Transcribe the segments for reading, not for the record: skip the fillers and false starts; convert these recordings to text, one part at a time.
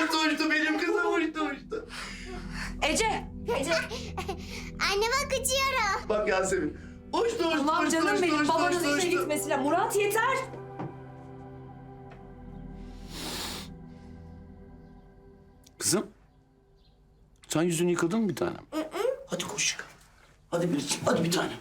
uçtu benim kızım uçtu. Ece. Anne bak uçuyorum. Bak Yasemin. Uçtu. Tamam canım benim, babanız işe gitmesiyle. Murat yeter. Kızım. Sen yüzünü yıkadın mı bir tanem? Hadi koş yıka. Hadi Biricik, hadi bir tanem.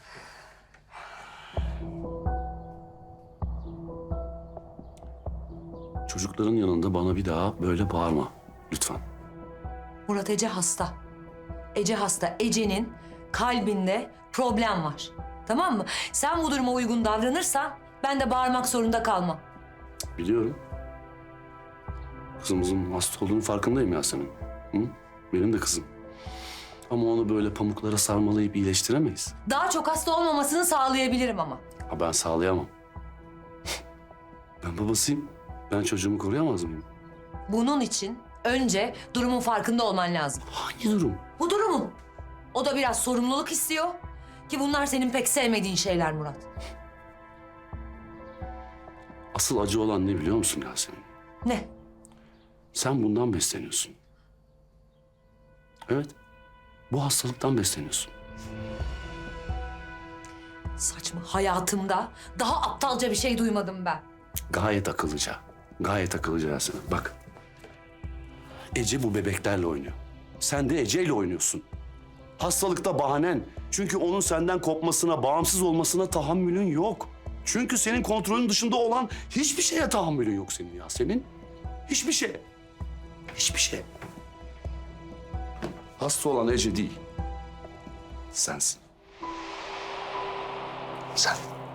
Çocukların yanında bana bir daha böyle bağırma. Lütfen. Murat, Ece hasta. Ece hasta. Ece'nin kalbinde problem var. Tamam mı? Sen bu duruma uygun davranırsan ben de bağırmak zorunda kalmam. Biliyorum. Kızımızın hasta olduğunun farkındayım Yasemin. Hı? Benim de kızım. Ama onu böyle pamuklara sarmalayıp iyileştiremeyiz. Daha çok hasta olmamasını sağlayabilirim ama. Ha ben sağlayamam. Ben babasıyım. Ben çocuğumu koruyamaz mıyım? Bunun için önce durumun farkında olman lazım. Hangi durum? Bu durumun. O da biraz sorumluluk istiyor. Ki bunlar senin pek sevmediğin şeyler Murat. Asıl acı olan ne biliyor musun Yasemin? Ne? Sen bundan besleniyorsun. Evet. Bu hastalıktan besleniyorsun. Saçma. Hayatımda daha aptalca bir şey duymadım ben. Gayet akıllıca. Gayet akıllıca Yasemin. Bak. Ece bu bebeklerle oynuyor. Sen de Ece'yle oynuyorsun. Hastalıkta bahanen. Çünkü onun senden kopmasına, bağımsız olmasına tahammülün yok. Çünkü senin kontrolün dışında olan hiçbir şeye tahammülün yok senin Yasemin. Hiçbir şeye. Hiçbir şey. Hasta olan Ece değil. Sensin. Sen.